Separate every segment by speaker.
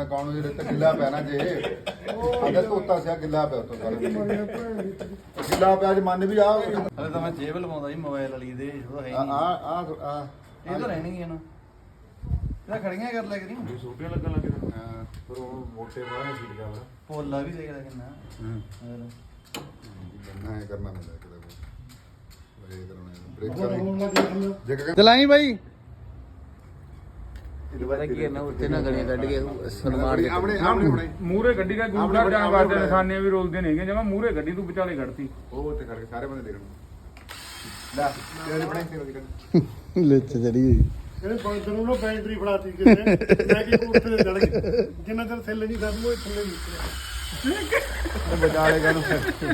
Speaker 1: ਮੈਂ ਕੌਣ ਨੂੰ ਜਿਹੜੇ ਤੇ ਗਿੱਲਾ ਪਿਆ ਨਾ ਜੇ ਅਗਰ ਧੋਤਾ ਸਿਆ ਗਿੱਲਾ ਪਿਆ ਉੱਤੋਂ ਸਾਰਾ ਗਿੱਲਾ ਪਿਆ ਜੇ ਮੰਨ ਵੀ ਆ
Speaker 2: ਹਲੇ ਤਾਂ ਮੈਂ ਜੇਬ ਲਵਾਉਂਦਾ ਸੀ ਮੋਬਾਈਲ ਵਾਲੀ ਦੇ ਉਹ ਹੈ
Speaker 1: ਆ
Speaker 2: ਨਹੀਂ
Speaker 1: ਆ
Speaker 2: ਇਹ ਤਾਂ ਰਹਿਣੀ ਹੈ ਨਾ ਇਹਦਾ ਖੜੀਆਂ ਕਰ ਲੈ ਕਰੀ
Speaker 3: ਛੋਟੀਆਂ ਲੱਗਣ ਲੱਗ ਗਈਆਂ
Speaker 1: ਹਾਂ
Speaker 3: ਪਰ ਉਹ ਮੋਟੇ ਬਾਹਰ ਠੀਕ ਆ ਵਾ
Speaker 2: ਪੋਲਾ ਵੀ ਦੇਖਦਾ ਕਿੰਨਾ
Speaker 1: ਨਾ ਕਰਨਾ ਪੈਂਦਾ ਕਿਤੇ ਬ੍ਰੇਕ ਕਰਾਉਣੇ ਬ੍ਰੇਕ
Speaker 2: ਚਲਾਈ ਬਾਈ ਪਤਾ ਕੀ ਹੈ ਨਾ ਉੱਤੇ ਨਾ ਗਲੀਆਂ ਕੱਢ ਕੇ ਸਨਮਾਨ
Speaker 1: ਆਪਣੇ ਆਪਣੇ
Speaker 3: ਮੂਰੇ ਗੱਡੀ ਦਾ ਗੂੜਾ ਜਾਣ ਵਾਸਤੇ ਨਿਸ਼ਾਨੇ ਵੀ ਰੋਲਦੇ ਨੇਗੇ ਜਿਵੇਂ ਮੂਰੇ ਗੱਡੀ ਤੂੰ ਵਿਚਾਲੇ ਕੱਢਤੀ
Speaker 1: ਉਹ ਤੇ ਕਰਕੇ ਸਾਰੇ ਬੰਦੇ ਦੇਖਣ ਲੈ ਤੇਰੇ ਬਣੇ ਤੇ
Speaker 2: ਲੱਚ ਚੜੀ ਹੋਈ
Speaker 4: ਜਿਹੜੇ ਬੰਦਰ ਨੂੰ ਬੈਟਰੀ ਫੜਾਤੀ ਕਿਸੇ ਮੈਂ ਕਿ ਉੱਥੇ ਤੇ ਚੜ ਗਏ ਜਿੰਨਾ ਚਿਰ ਥੱਲੇ ਨਹੀਂ ਖਤਮ ਹੋਏ ਥੱਲੇ ਨਿਕਲਿਆ
Speaker 2: ਬਚਾਲੇ ਕਾਨੂੰ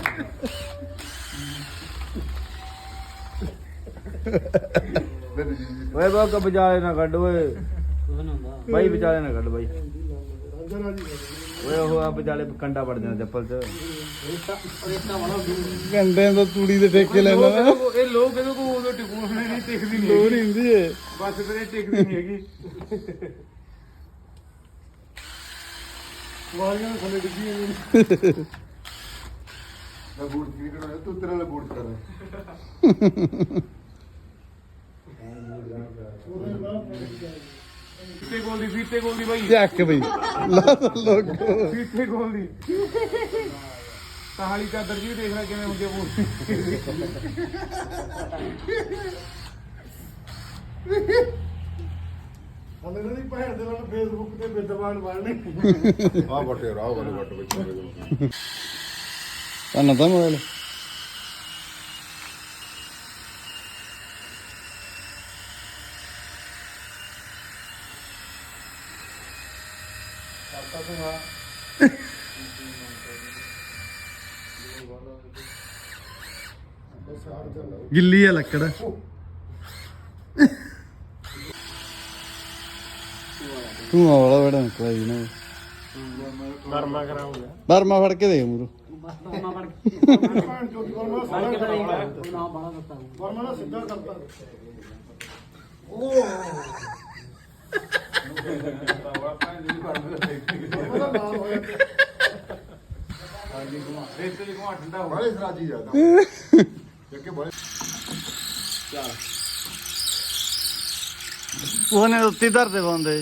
Speaker 2: ਓਏ ਬਾਕ ਬਚਾਲੇ ਨਾ ਕੱਢ ਓਏ ਬਾਈ ਵਿਚਾਲੇ ਨਾ ਕੱਢ ਬਾਈ
Speaker 4: ਅੰਦਰ ਆ ਜੀ
Speaker 2: ਓਏ ਉਹ ਆ ਵਿਚਾਲੇ ਕੰਡਾ ਵੜ ਜਾਣਾ ਚੱਪਲ 'ਚ
Speaker 5: ਘੰਟੇ ਤੋਂ ਤੂੜੀ ਦੇ ਠੇਕੇ ਲੈਣਾ
Speaker 3: ਇਹ ਲੋਕ ਇਹਦੇ ਕੋਲ ਉਦੋਂ ਟਿਕੂਣੇ ਨਹੀਂ ਟਿਕਦੀ ਨਹੀਂ
Speaker 5: ਲੋੜ ਹੁੰਦੀ ਏ
Speaker 3: ਬਸ ਤੇਰੇ ਟਿਕਦੀ ਨਹੀਂ ਹੈਗੀ
Speaker 4: ਵਾਲੀਆਂ ਦੇ ਥੱਲੇ ਡਿੱਗੀਆਂ
Speaker 1: ਮੈਂ ਬੂਟ ਕੀ ਕਰਾਉਣਾ ਤੂੰ ਤੇਰੇ ਨਾਲ ਬੂਟ ਕਰ
Speaker 3: ਫੀਤੇ ਗੋਲ ਦੀ ਬਾਈ
Speaker 5: ਚੱਕ ਬਈ ਲਾ ਲੋਕ
Speaker 3: ਫੀਤੇ ਗੋਲ ਦੀ ਕਹਾਲੀ ਚਾਦਰ ਜੀ ਦੇਖ ਲੈ ਕਿਵੇਂ ਹੁੰਦੇ ਬੋਲ
Speaker 4: ਹਲੇ ਇਹਨਾਂ ਦੀ ਭੈਣ ਦੇ ਨਾਲ ਫੇਸਬੁੱਕ ਤੇ ਵਿਦਵਾਨ ਬਣਨੇ
Speaker 1: ਆ ਬਟੇ ਰਾਹ ਵਾਲੇ ਬਟ ਵਿੱਚ
Speaker 5: ਤਾਂ ਤਾਂ ਮੋਬਾਈਲ ਗਿੱਲੀ ਆ ਲੱਕੜ ਤੂੰ ਆਵਲਾ ਬੜਾ ਕੋਈ ਨਾ
Speaker 4: ਨਰਮਾ ਕਰਾਉਂਗਾ
Speaker 5: ਬਰਮਾ ਫੜ ਕੇ ਦੇ ਮੂਰੋ
Speaker 4: ਭੈਣ ਚੋਦੀ ਵਰਮਾ ਦਾ ਸਿੱਧਾ ਕਰਤਾ ਉਹਦਾ ਨਾਮ ਹੋਇਆ
Speaker 1: ਬੜੇ ਸਰਾਜੀ ਜਾਂਦਾ ਕਿ ਬੜੇ
Speaker 5: ਉਹਨੇ ਉੱਤੀ ਧਰਦੇ ਪਾਉਂਦੇ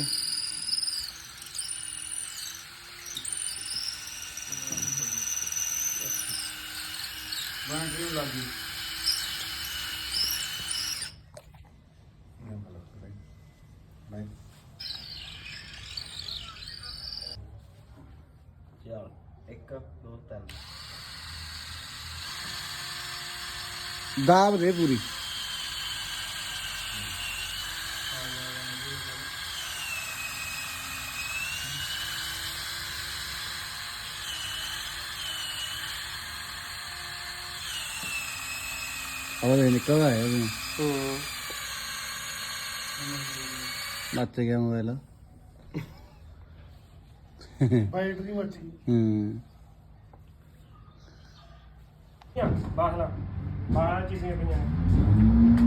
Speaker 2: ਚੱਲ 1 2 3
Speaker 5: ਦਾਬ ਦੇ ਪੂਰੀ ਆਵਾਜ਼ ਨਿਕਲ ਆਇਆ ਉਹ ਮੱਚ ਗਿਆ ਮੋਬਾਈਲ
Speaker 4: ਬੈਟਰੀ ਮੱਚ ਗਈ ਬਾਹਲਾ ਬਾਹਲਾ ਚੀਜ਼ਾਂ ਪਈਆਂ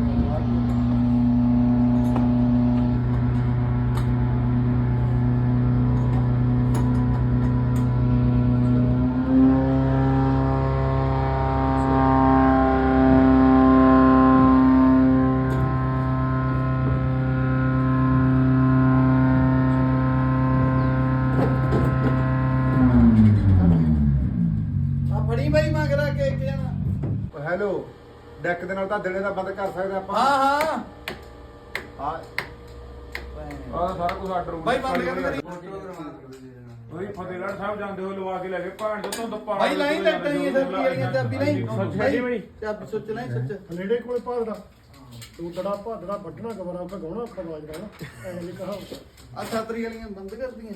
Speaker 2: ਫੜੀ ਬਾਈ ਮੰਗਦਾ ਕੇ ਇੱਕ ਜਣਾ
Speaker 1: ਹੈਲੋ ਡੈਕ ਦੇ ਨਾਲ ਤਾਂ ਦਿਨੇ ਦਾ ਬੰਦ ਕਰ ਸਕਦੇ ਆਪਾਂ
Speaker 2: ਹਾਂ
Speaker 1: ਹਾਂ
Speaker 3: ਆਹ ਸਾਰਾ ਕੁਝ ਆਰਡਰ
Speaker 2: ਬਾਈ ਬੰਦ ਕਰ ਕਰੀ
Speaker 3: ਉਹੀ ਫਤਿਹਗੜ੍ਹ ਸਾਹਿਬ ਜਾਂਦੇ ਹੋ ਲਵਾ ਕੇ ਲੈ ਕੇ ਭਾਣ ਤੋਂ ਦੁੱਪਾ
Speaker 2: ਬਾਈ ਲਾਈਨ ਲੱਟਾਂ ਹੀ ਸੱਚੀ ਵਾਲੀਆਂ ਚਾਬੀ ਨਹੀਂ
Speaker 3: ਸੱਚੀ ਬਣੀ
Speaker 2: ਚਾਬੀ ਸੋਚ ਲੈ ਸੱਚ
Speaker 4: ਨੇੜੇ ਕੋਲੇ ਭਾਦੜਾ ਤੂੰ ਦੜਾ ਭਾਦੜਾ ਵੱਢਣਾ ਕਬਰਾਂ ਕਾ ਗਾਉਣਾ ਅੱਖਾਂ ਵਾਜਦਾ ਨਾ ਐ ਨਹੀਂ ਕਹਾ
Speaker 2: ਆ ਛਤਰੀ ਵਾਲੀਆਂ ਬੰਦ ਕਰਦੀਆਂ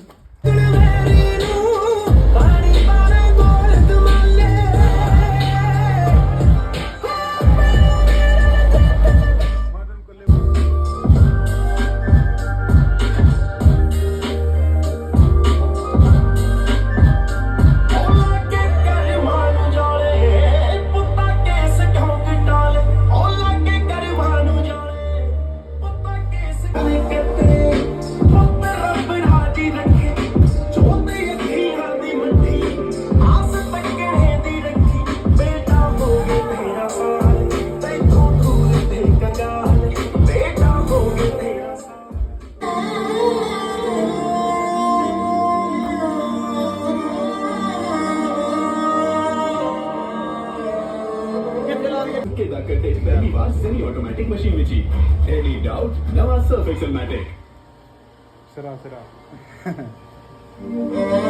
Speaker 6: ਪੈਦਾ ਕਰਦੇ ਪਹਿਲੀ ਵਾਰ ਸੈਮੀ ਆਟੋਮੈਟਿਕ ਮਸ਼ੀਨ ਵਿੱਚ ਹੀ ਐਨੀ ਡਾਊਟ ਨਵਾਂ ਸਰਫ ਐਕਸਲਮੈਟਿਕ
Speaker 3: ਸਿਰਾ